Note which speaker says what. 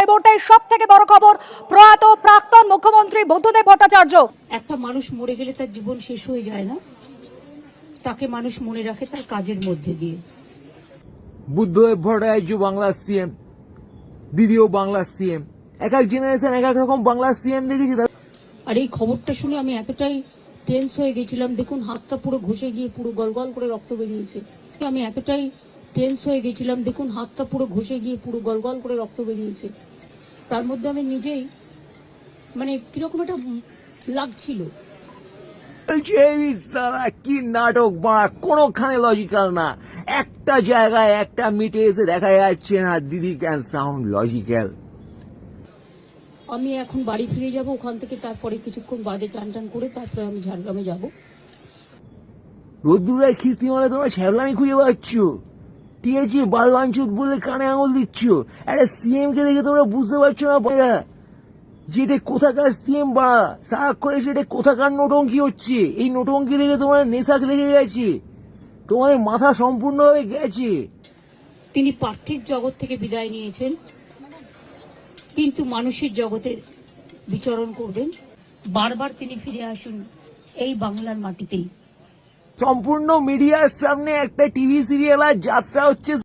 Speaker 1: মুহূর্তে সব থেকে বড় খবর, প্রয়াত প্রাক্তন মুখ্যমন্ত্রী বুদ্ধদেব ভট্টাচার্য।
Speaker 2: একটা মানুষ মরে গেলে তার জীবন শেষ হয়ে যায় না, তাকে মানুষ মনে রাখে তার কাজের মধ্যে দিয়ে।
Speaker 3: বুদ্ধদেব ভট্টাচার্য বাংলার সিএম, দিদিও বাংলার সিএম, এক এক জেনারেশন এক এক রকম বাংলার সিএম দেখেছি।
Speaker 2: আর এই খবরটা শুনে আমি এতটাই টেন্স হয়ে গেছিলাম, দেখুন হাতটা পুরো ঘষে গিয়ে পুরো গলগল করে রক্ত বেরিয়েছে। আমি এতটাই টেন্স হয়ে গেছিলাম, দেখুন হাতটা পুরো ঘষে গিয়ে পুরো গলগল করে রক্ত বেরিয়েছে। তার মধ্যে আমি নিজেই মানে কিরকম একটা লাগছিল।
Speaker 3: কি নাটক বাড়া, কোনোখানে লজিক্যাল না। একটা জায়গায় একটা মিটে এসে দেখা যাচ্ছে না দিদি ক্যান সাউন্ড লজিক্যাল।
Speaker 2: আমি এখন বাড়ি ফিরে যাব, ওখান থেকে তারপরে কিছুক্ষণ বাদে চান টান করে তারপরে আমি ঝাড়গ্রামে যাব।
Speaker 3: রোদ্দুরায় খিস্তি মালে তোমরা ছ্যাবলামি খুঁজে পাচ্ছ, ঠিক আছে? বালবাঞ্চুত বলে কানে আঙুল দিচ্ছ। একটা সিএম কে দেখে তোমরা বুঝতে পারছো না যেটা কোথাকার সিএম বাড়া, সারাক্ষণ সেটা কোথাকার নোটঙ্কি হচ্ছে। এই নোটঙ্কি দেখে তোমার নেশা লেগে গেছে, তোমাদের মাথা সম্পূর্ণভাবে গেছে।
Speaker 2: তিনি পার্থিব জগৎ থেকে বিদায় নিয়েছেন, কিন্তু মানুষের জগতে বিচরণ করবেন। বারবার তিনি ফিরে আসুন এই বাংলার মাটিতেই।
Speaker 3: সম্পূর্ণ মিডিয়ার সামনে একটা টিভি সিরিয়াল আর যাত্রা হচ্ছে।